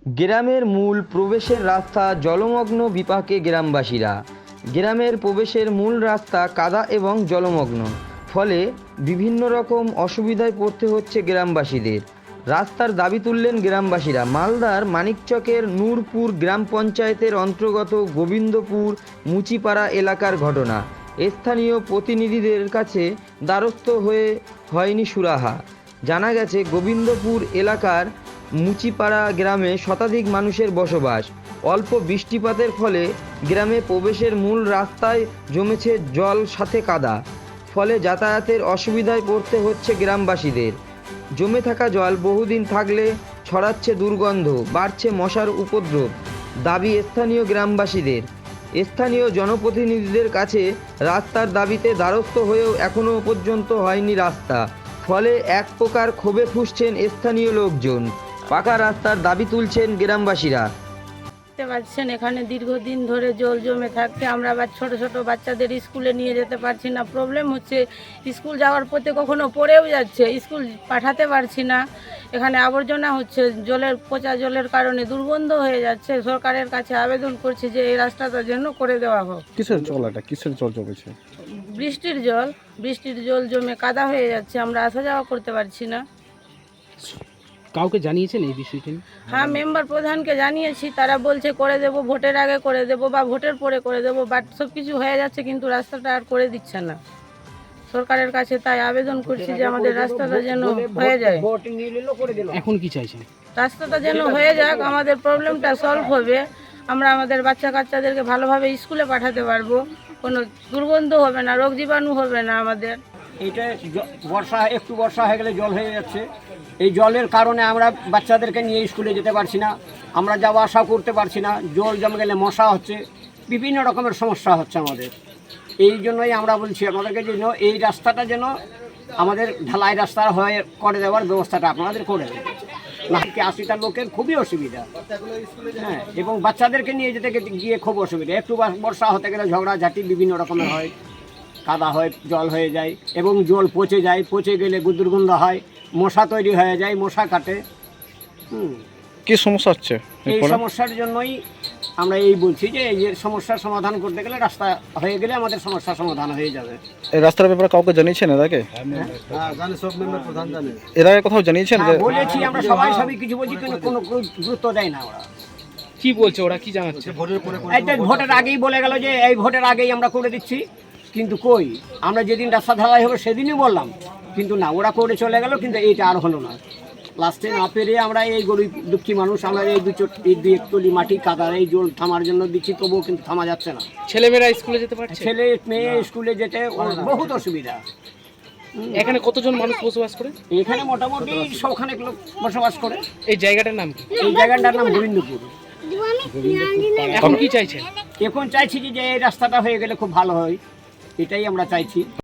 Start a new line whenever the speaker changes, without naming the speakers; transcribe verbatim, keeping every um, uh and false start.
গ্রামের মূল প্রবেশের রাস্তা জলমগ্ন বিপাকে গ্রামবাসীরা। গ্রামের প্রবেশের মূল রাস্তা কাদা এবং জলমগ্ন, ফলে বিভিন্ন রকম অসুবিধায় পড়তে হচ্ছে গ্রামবাসীদের। রাস্তার দাবি তুললেন গ্রামবাসীরা। মালদার মানিকচকের নূরপুর গ্রাম পঞ্চায়েতের অন্তর্গত গোবিন্দপুর মুচিপাড়া এলাকার ঘটনা। স্থানীয় প্রতিনিধিদের কাছে দ্বারস্থ হয়ে হয়নি সুরাহা। জানা গেছে, গোবিন্দপুর এলাকার মুচিপাড়া গ্রামে শতাধিক মানুষের বসবাস। অল্প বৃষ্টিপাতের ফলে গ্রামে প্রবেশের মূল রাস্তায় জমেছে জল সাথে কাদা, ফলে যাতায়াতের অসুবিধায় পড়তে হচ্ছে গ্রামবাসীদের। জমে থাকা জল বহুদিন থাকলে ছড়াচ্ছে দুর্গন্ধ, বাড়ছে মশার উপদ্রব। দাবি স্থানীয় গ্রামবাসীদের। স্থানীয় জনপ্রতিনিধিদের কাছে রাস্তার দাবিতে দ্বারস্থ হয়েও এখনও পর্যন্ত হয়নি রাস্তা, ফলে এক প্রকার ক্ষোভে ফুঁসছেন স্থানীয় লোকজন। পাকা রাস্তার দাবি তুলছেন গ্রামবাসীরা।
দেখতে পাচ্ছেন, এখানে দীর্ঘদিন ধরে জল জমে থাকতে আমরা আবার ছোট ছোট বাচ্চাদের স্কুলে নিয়ে যেতে পারছি না। প্রবলেম হচ্ছে, স্কুল যাওয়ার পথে কখনো পড়েও যাচ্ছে, স্কুল পাঠাতে পারছি না। এখানে আবর্জনা হচ্ছে, জলের পচা জলের কারণে দুর্গন্ধ হয়ে যাচ্ছে। সরকারের কাছে আবেদন করছি যে এই রাস্তাটা যেন করে দেওয়া হোক।
কিসের জল এটা কিসের জল জমেছে?
বৃষ্টির জল বৃষ্টির জল জমে কাদা হয়ে যাচ্ছে, আমরা আসা যাওয়া করতে পারছি না।
কাউকে জানিয়েছেন এই বিষয়টি?
হ্যাঁ, মেম্বার প্রধানকে জানিয়েছি, তারা বলছে করে দেব, ভোটের আগে করে দেব বা ভোটের পরে করে দেব, বাট সব কিছু হয়ে যাচ্ছে কিন্তু রাস্তাটা আর করে দিচ্ছে না। সরকারের কাছে তাই আবেদন করছি যে আমাদের রাস্তাটা যেন হয়ে যায়।
এখন কি চাইছেন?
রাস্তাটা যেন হয়ে যাক, আমাদের প্রবলেমটা সলভ হবে। আমরা আমাদের বাচ্চা কাচ্চাদেরকে ভালোভাবে স্কুলে পাঠাতে পারবো, কোনো দুর্গন্ধ হবে না, রোগ জীবাণু হবে না আমাদের।
এইটা বর্ষা একটু বর্ষা হয়ে গেলে জল হয়ে যাচ্ছে। এই জলের কারণে আমরা বাচ্চাদেরকে নিয়ে স্কুলে যেতে পারছি না, আমরা যাওয়া আসা করতে পারছি না। জল জমে গেলে মশা হচ্ছে, বিভিন্ন রকমের সমস্যা হচ্ছে আমাদের। এই জন্যই আমরা বলছি আপনাদেরকে যেন এই রাস্তাটা যেন আমাদের ঢালাই রাস্তা হয়ে করে দেওয়ার ব্যবস্থাটা আপনাদের করে দেবেন। নাকি আশিটা লোকের খুবই অসুবিধা, হ্যাঁ, এবং বাচ্চাদেরকে নিয়ে যেতে গিয়ে খুব অসুবিধা। একটু বর্ষা হতে গেলে ঝগড়াঝাটি বিভিন্ন রকমের হয়, কাদা হয়, জল হয়ে যায় এবং জল পচে যায়। পচে গেলে দুর্গন্ধ হয়, মশা তৈরি হয়ে যায়, মশা কাটে। হুম,
কি সমস্যা হচ্ছে?
এই সমস্যার জন্যই আমরা এই বলছি যে এই সমস্যার সমাধান করতে গেলে রাস্তা হয়ে গেলে আমাদের সমস্যার সমাধান হয়ে যাবে।
এই রাস্তার ব্যাপারে কাউকে জানিয়েছেন এর আগে? এর আগে কোথাও জানিয়েছেন?
হ্যাঁ, বলেছি আমরা, সবাই সবই কিছু বলছি কিন্তু কোনো গুরুত্ব দেয় না ওরা।
কি বলছে ওরা, কি জানাচ্ছে?
এটা ভোটের আগেই বলে গেল যে এই ভোটের আগেই আমরা করে দিচ্ছি, কিন্তু কই, আমরা যেদিন রাস্তা ঢালাই হবে সেদিনই বললাম, কিন্তু না, ওরা করে চলে গেল, কিন্তু এইটা আর হলো না। লাস্টে না পেরে আমরা এই গরিব দুঃখী মানুষ, আমরা এই দু চোট এই দুই একতলি মাটি কাদার এই জল থামার জন্য দিচ্ছি, তবুও কিন্তু থামা যাচ্ছে না।
ছেলেমেয়েরা স্কুলে যেতে পারছে?
ছেলে মেয়ে স্কুলে যেতে ওর বহুত অসুবিধা।
এখানে কতজন মানুষ বসবাস করে?
এখানে মোটামুটি সবখানেক লোক বসবাস করে।
এই জায়গাটার নাম কি?
এই জায়গাটার নাম গোবিন্দপুর।
এখন কি চাইছেন?
এখন চাইছি যে এই রাস্তাটা হয়ে গেলে খুব ভালো হয়, এটাই আমরা চাইছি।